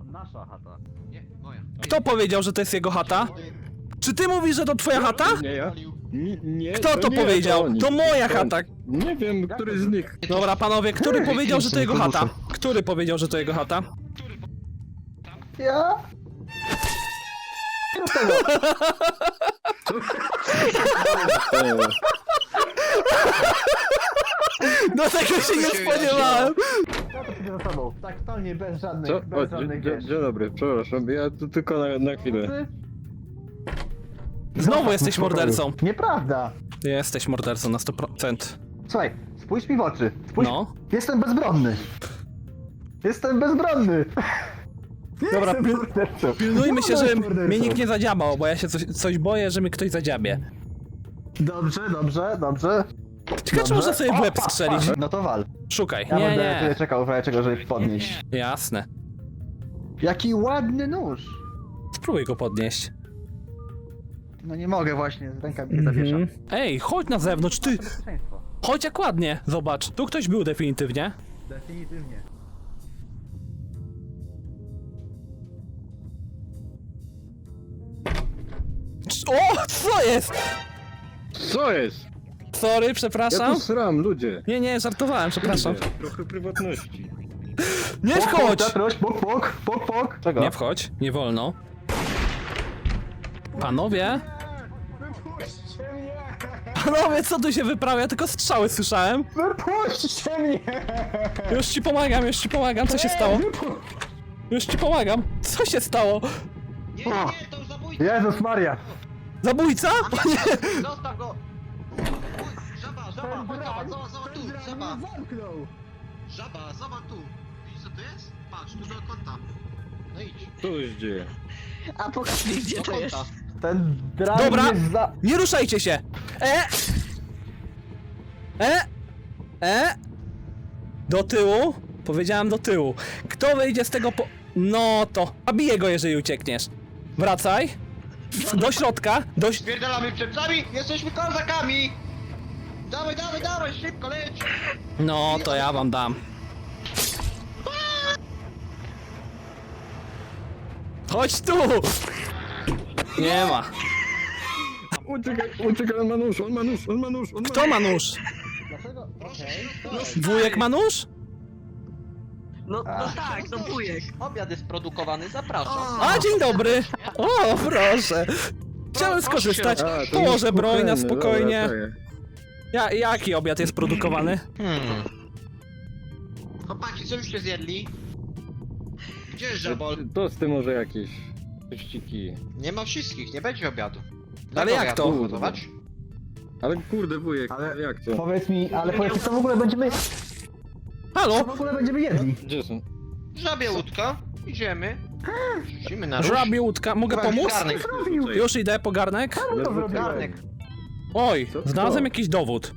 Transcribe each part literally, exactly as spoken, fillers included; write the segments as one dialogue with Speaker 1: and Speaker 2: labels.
Speaker 1: Nasza chata.
Speaker 2: Nie, moja.
Speaker 3: Kto powiedział, że to jest jego chata? Czy ty mówisz, że to twoja chata?
Speaker 4: Nie ja. Nie, nie,
Speaker 3: Kto to
Speaker 4: nie,
Speaker 3: powiedział?
Speaker 4: oni.
Speaker 3: To moja chata.
Speaker 4: Nie wiem, który z nich.
Speaker 3: Dobra, panowie, który powiedział, że to jego chata? Który powiedział, że to jego chata?
Speaker 1: Ja?
Speaker 4: E,
Speaker 3: No tego się nie spodziewałem!
Speaker 1: Ja to za sobą. Tak totalnie bez żadnych,
Speaker 4: Co? O,
Speaker 1: bez
Speaker 4: dzie-
Speaker 1: żadnych
Speaker 4: dzie-
Speaker 1: wiesz.
Speaker 4: dzień dobry, przepraszam, ja tu tylko na, na chwilę.
Speaker 3: Znowu jesteś mordercą.
Speaker 1: Nieprawda.
Speaker 3: Jesteś mordercą na sto procent.
Speaker 1: Słuchaj, spójrz mi w oczy. Spójrz.
Speaker 3: No.
Speaker 1: Jestem bezbronny. Jestem bezbronny.
Speaker 3: Dobra,
Speaker 1: Jestem
Speaker 3: pil
Speaker 1: mordercą.
Speaker 3: pilnujmy się,
Speaker 1: No,
Speaker 3: że
Speaker 1: mordercą.
Speaker 3: mnie nikt nie zadziabał, bo ja się coś, coś boję, że mnie ktoś zadziabie.
Speaker 1: Dobrze, dobrze, dobrze.
Speaker 3: Ciekawe, czy
Speaker 1: Dobrze.
Speaker 3: można sobie w łeb
Speaker 1: O, pa,
Speaker 3: strzelić.
Speaker 1: pa. No to wal.
Speaker 3: Szukaj.
Speaker 1: Ja
Speaker 3: Nie,
Speaker 1: będę tutaj
Speaker 3: nie.
Speaker 1: czekał w razie czego, żeby podnieść.
Speaker 3: Jasne.
Speaker 1: Jaki ładny nóż.
Speaker 3: Spróbuj go podnieść.
Speaker 1: No nie mogę właśnie, ręka mi się zawiesza.
Speaker 3: Mhm. Ej, chodź na zewnątrz, ty!
Speaker 1: Bezpieczeństwo.
Speaker 3: Chodź jak ładnie, zobacz. Tu ktoś był definitywnie.
Speaker 1: Definitywnie.
Speaker 3: Cz- O, co jest?
Speaker 4: Co jest?
Speaker 3: Sorry,
Speaker 4: Ja
Speaker 3: przepraszam.
Speaker 4: tu sram, ludzie.
Speaker 3: Nie, nie, żartowałem, przepraszam.
Speaker 4: Trochę prywatności.
Speaker 3: Nie
Speaker 1: Pok, pok,
Speaker 3: wchodź!
Speaker 1: Piotruś, pok, pok, pok, pok. Czego?
Speaker 3: Nie wchodź, nie wolno. Panowie? Panowie, co tu się wyprawia? Ja tylko strzały słyszałem.
Speaker 1: Wypuśćcie mnie!
Speaker 3: Już ci pomagam, już ci pomagam, co się stało? Już ci pomagam. Co się stało?
Speaker 2: Nie, nie, nie, to zabójca!
Speaker 1: Jezus Maria!
Speaker 3: Zabójca? Panie!
Speaker 2: Zostaw go! Uj, żaba, żaba, chodź, zobacz, zobacz, zobacz tu, żaba!
Speaker 1: zamknął!
Speaker 2: Żaba, zobacz tu! Widzisz co to jest? Patrz, tu do kąta. No idź.
Speaker 4: Co się dzieje?
Speaker 5: A pokaż mi, gdzie
Speaker 2: Do
Speaker 5: to jest.
Speaker 2: kąta.
Speaker 1: Ten drag
Speaker 3: Dobra.
Speaker 1: jest za...
Speaker 3: Nie ruszajcie się! E! E! E! Do tyłu? Powiedziałem do tyłu. Kto wyjdzie z tego po... No to... Zabiję go, jeżeli uciekniesz. Wracaj. Do środka. Do... ś-
Speaker 2: Spierdalamy przed nami! Jesteśmy kozakami! Dawaj, dawaj, dawaj, szybko leć!
Speaker 3: No to ja wam dam. Chodź tu! Nie ma.
Speaker 4: Uciekaj, uciekaj, on ma nóż, on ma nóż, on ma nóż, on ma
Speaker 3: Kto ma nóż?
Speaker 1: Dlaczego?
Speaker 2: Proszę
Speaker 1: Okej.
Speaker 2: się rozstać.
Speaker 3: Wujek ma nóż?
Speaker 5: No, no
Speaker 1: A.
Speaker 5: tak, no wujek.
Speaker 2: Obiad jest produkowany, zapraszam.
Speaker 3: A, dzień dobry! O, proszę! Chciałem skorzystać.
Speaker 4: A, to
Speaker 3: Położę
Speaker 4: już
Speaker 3: broń na
Speaker 4: kuchenny,
Speaker 3: spokojnie.
Speaker 4: dobra, to
Speaker 3: Ja, jaki obiad jest produkowany?
Speaker 2: Hmm. Chłopaki, co już się zjedli? Gdzie jest
Speaker 4: ja.
Speaker 2: żabol?
Speaker 4: Tosty może jakieś. Ściki.
Speaker 2: Nie ma wszystkich, nie będzie obiadu.
Speaker 3: Ale jak to?
Speaker 2: Gotować?
Speaker 4: Ale kurde wujek,
Speaker 1: Ale-
Speaker 4: jak to?
Speaker 1: Powiedz mi, ale powiedz mi, co w ogóle będziemy... Co
Speaker 3: Halo?
Speaker 1: w ogóle będziemy jedli?
Speaker 4: Gdzie są?
Speaker 2: Żabie łódka, idziemy. Rzucimy na róż.
Speaker 3: Żabie łódka, mogę
Speaker 2: Chyba
Speaker 3: pomóc?
Speaker 2: garnek.
Speaker 1: Zrobił!
Speaker 3: Już idę po garnek.
Speaker 1: Czemu to zrobiłem?
Speaker 2: Garnek.
Speaker 3: Oj,
Speaker 4: Co to?
Speaker 3: znalazłem jakiś dowód.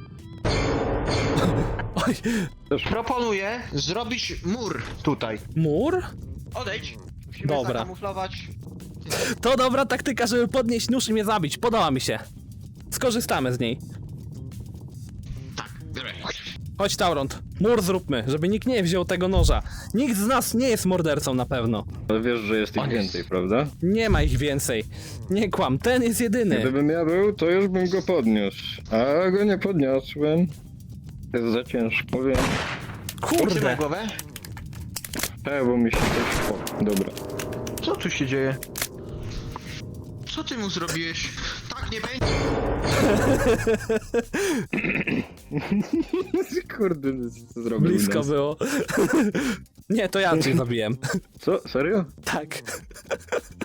Speaker 3: Oj,
Speaker 2: Proponuję zrobić mur tutaj.
Speaker 3: mur?
Speaker 2: Odejdź. Musimy
Speaker 3: Dobra.
Speaker 2: zakamuflować.
Speaker 3: To dobra taktyka, żeby podnieść nóż i mnie zabić. Podoba mi się. Skorzystamy z niej.
Speaker 2: Tak, biorę.
Speaker 3: Chodź, Tauront. Mur zróbmy, żeby nikt nie wziął tego noża. Nikt z nas nie jest mordercą na pewno.
Speaker 4: Ale wiesz, że jest ich
Speaker 2: On jest.
Speaker 4: więcej, prawda?
Speaker 3: Nie ma ich więcej. Nie kłam, ten jest jedyny.
Speaker 4: Gdybym ja był, to już bym go podniósł. A go nie podniosłem. Jest za ciężko, wiem.
Speaker 2: Trzymaj
Speaker 3: Kurde.
Speaker 2: głowę.
Speaker 4: Tak, bo mi się coś... O, dobra.
Speaker 2: Co tu się dzieje? Co ty mu zrobiłeś? Tak nie będzie.
Speaker 4: Kurde, co zrobił
Speaker 3: Blisko
Speaker 4: nas?
Speaker 3: było. Nie, to ja cię zabiłem.
Speaker 4: Co? Serio?
Speaker 3: Tak.